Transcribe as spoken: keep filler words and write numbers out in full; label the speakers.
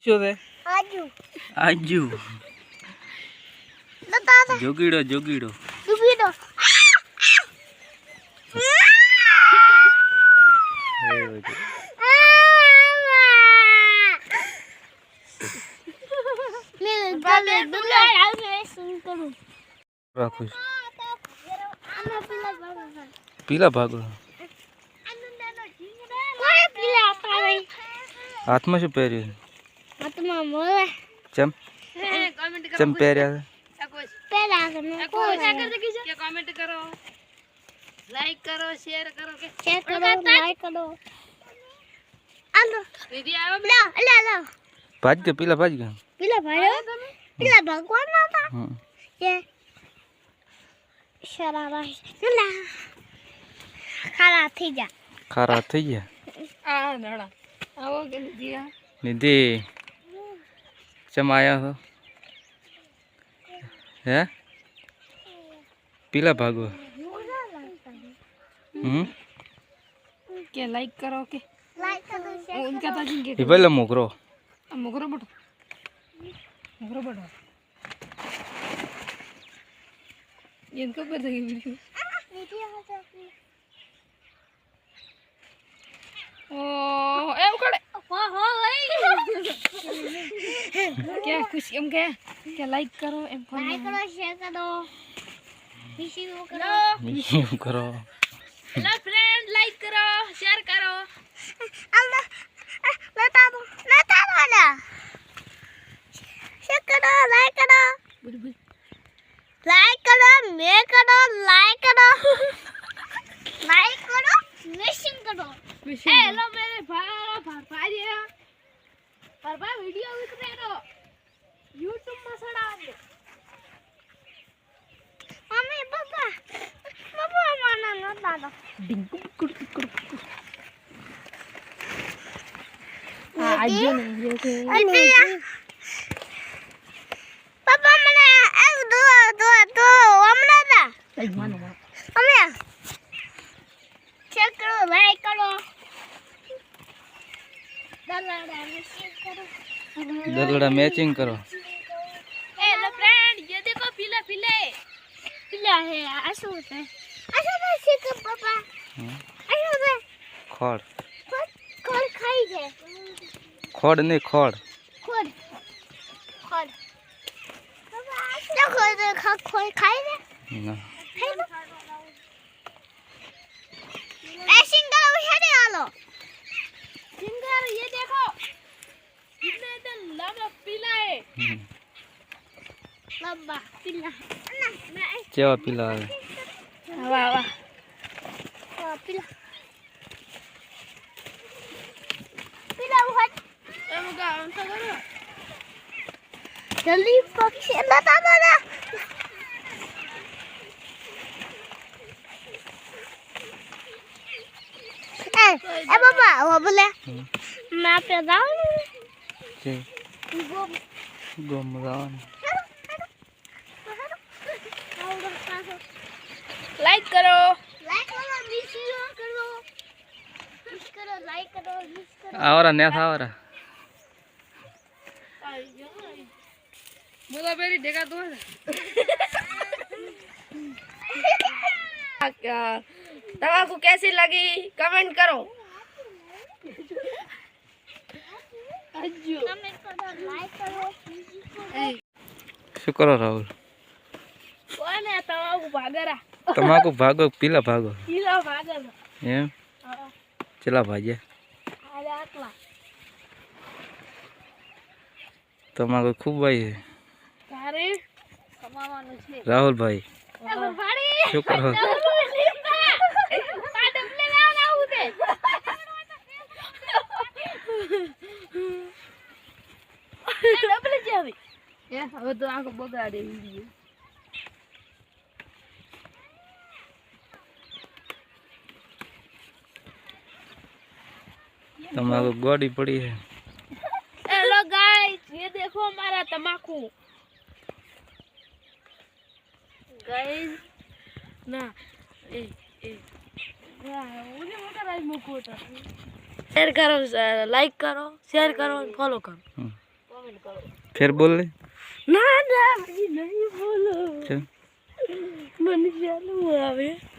Speaker 1: बच्चों से
Speaker 2: आजू
Speaker 1: आजू जोगीड़ो जोगीड़ो
Speaker 2: जोगीड़ो
Speaker 1: पीला भागो हाथ में शू पहरी चम चम पहरिया
Speaker 3: कमेंट करो लाइक करो शेयर करो के
Speaker 2: शेयर करो लाइक करो आलो
Speaker 3: दीदी आओ
Speaker 2: ला ला ला
Speaker 1: भाज के पीला भाज के
Speaker 2: पीला भाई पीला भगवान ना था ये शराबा ला खारा थी जा
Speaker 1: खारा थी जा
Speaker 3: आ नड़ा आओ के दिया
Speaker 1: निधि चम आया हो है पीला भागो हम्म
Speaker 3: के लाइक करो के
Speaker 2: लाइक करो
Speaker 3: उनका तो जिनके
Speaker 1: ये पहले मुकरो
Speaker 3: मुकरो बटो मुकरो बटो ये इनको पर लगी वीडियो ओ एम करे
Speaker 2: हो हो भाई
Speaker 3: क्या कुछ एम क्या क्या लाइक करो एम
Speaker 2: लाइक करो शेयर करो मिशी करो
Speaker 1: मिशी करो
Speaker 3: हेलो फ्रेंड लाइक करो शेयर करो
Speaker 2: अल्लाह लेता दो लेता दो ना शेयर करो लाइक करो लाइक करो मैं करो लाइक करो लाइक करो मिशिंग करो
Speaker 3: हेलो मेरे भाई भाई परबा वीडियो उतरे रो YouTube में सड़ा दे
Speaker 2: मम्मी पापा पापा माना ना दादा
Speaker 3: डिंग कुड़ कुड़ आज जो नहीं जैसे
Speaker 2: पापा मैंने एक दो दो दो हमला था
Speaker 3: एक मानो
Speaker 2: मम्मी चेक करो लाइक करो दलड़ा मिशिंग करो
Speaker 1: दलड़ा मैचिंग करो
Speaker 3: हेलो फ्रेंड ये देखो पीला पीले
Speaker 2: पीला है आसू है आसू है सिक पापा आसू है
Speaker 1: खोड़
Speaker 2: खोड़ खाई है
Speaker 1: खोड़ नहीं खोड़
Speaker 2: खोड़ खोड़ पापा क्या खोड़ खा खोड़ खाई है
Speaker 1: ना
Speaker 2: ऐसिंग करो हेडे आलो
Speaker 3: सिंगर ये देखो कितने इधर लंबा पीला है
Speaker 2: लंबा पीला ना मैं
Speaker 1: चेवा पीला है
Speaker 3: वाह वाह
Speaker 2: वाह पीला पीला उहट
Speaker 3: एम का अंत करो
Speaker 2: जल्दी पक्षी लता दादा ए ए पापा वो बोले मैं पे जाऊं
Speaker 1: चे
Speaker 2: वो
Speaker 1: गोमरान
Speaker 3: लाइक करो
Speaker 2: लाइक करो मिस करो मिस करो लाइक करो मिस करो
Speaker 1: आवरा ने था आवरा
Speaker 3: मुझे मेरी देखा दो तमाकू कैसी लगी कमेंट करो
Speaker 2: कमेंट करो लाइक करो
Speaker 1: शुक्र राहुल
Speaker 3: कौन है तमाकू भागरा
Speaker 1: तमाकू भागो पीला भागो
Speaker 3: पीला भागरा
Speaker 1: एम चला भाजे
Speaker 3: अरे आटला
Speaker 1: तमाकू खूब भाई है
Speaker 3: तारे कमाવાનું છે
Speaker 1: राहुल भाई
Speaker 3: ભાડી
Speaker 1: शुक्र हो
Speaker 3: પાડમ લે ના આવું દે ડબલ જાવી એ હવે તો આખો બગાડે વિડિયો
Speaker 1: तमाकू गोड़ी पड़ी है
Speaker 3: हेलो गाइस ये देखो हमारा तमाकू गाइस ना ए ए मुझे मोटा राइस मुको शेयर करो लाइक करो शेयर करो फॉलो करो। करो।
Speaker 1: फिर बोल ले।
Speaker 3: ना ना भाई नहीं बोलो।
Speaker 1: चल
Speaker 3: मन चालू आवे।